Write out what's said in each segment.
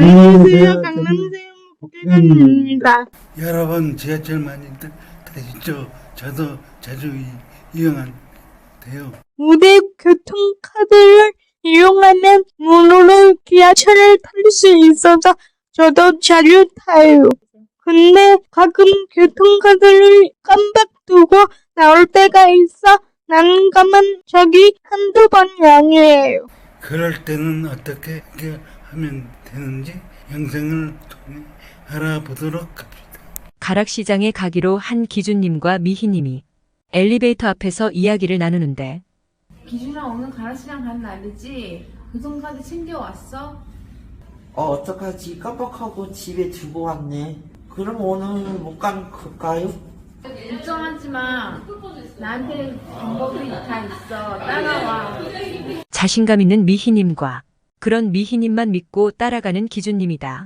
안녕하세요. 강남세요. 복귀관입니다. 여러분 지하철 많이들 타시죠? 저도 자주 이용한데요. 무대 교통카드를 이용하면 무료로 지하철을 탈 수 있어서 저도 자주 타요. 근데 가끔 교통카드를 깜빡 두고 나올 때가 있어 난감한 적이 한두 번이 아니에요. 그럴 때는 어떻게 하면 되는지 영상을 통해 알아보도록 합시다. 가락시장에 가기로 한 기준님과 미희님이 엘리베이터 앞에서 이야기를 나누는데 기준아 오늘 가락시장 가는 날이지? 교통카드 챙겨왔어? 어떡하지? 깜빡하고 집에 두고 왔네. 그럼 오늘 못 갈까요? 걱정하지 마. 나한테 방법이 다 있어. 따라와. 자신감 있는 미희님과 그런 미희님만 믿고 따라가는 기준님이다.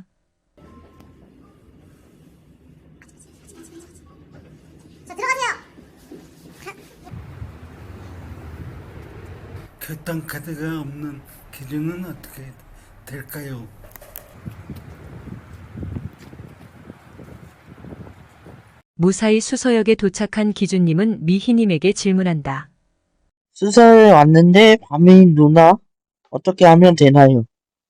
교통카드가 없는 기준은 어떻게 될까요? 무사히 수서역에 도착한 기준님은 미희님에게 질문한다. 수서에 왔는데 밤이 누나 어떻게 하면 되나요?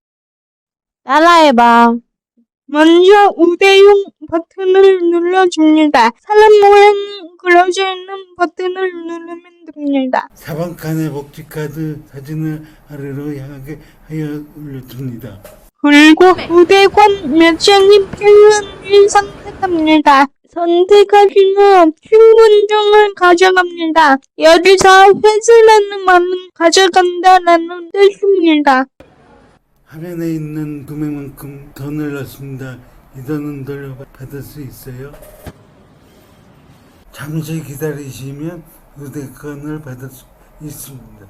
따라해봐. 먼저 우대용 버튼을 눌러줍니다. 사람 모양이 그려져 있는 버튼을 누르면 됩니다. 4번 칸의 복지카드 사진을 아래로 향하게 하여 올려줍니다. 그리고 우대권 몇 장이 필요한지 선택합니다. 선택하시면 신분증을 가져갑니다. 여기서 회수라는 말은 가져간다라는 뜻입니다. 화면에 있는 금액만큼 돈을 넣습니다. 이 돈은 돌려받을 수 있어요. 잠시 기다리시면 우대권을 받을 수 있습니다.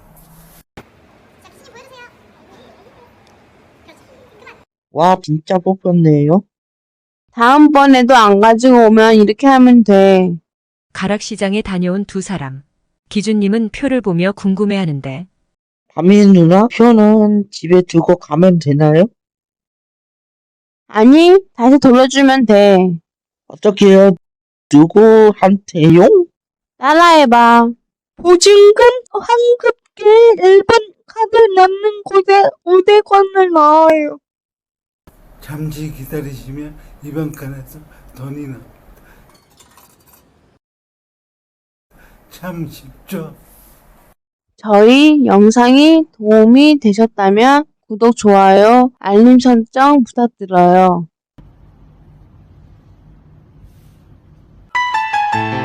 와, 진짜 뽑혔네요. 다음번에도 안 가지고 오면 이렇게 하면 돼. 가락시장에 다녀온 두 사람. 기준님은 표를 보며 궁금해하는데 밤이 누나 표는 집에 두고 가면 되나요? 아니, 다시 돌려주면 돼. 어떻게요? 누구한테요? 따라해봐. 보증금 환급기 1번 카드 넣는 곳에 우대권을 넣어요. 잠시 기다리시면 이번 칸에서 돈이 나옵니다. 참 쉽죠? 저희 영상이 도움이 되셨다면 구독, 좋아요, 알림 설정 부탁드려요.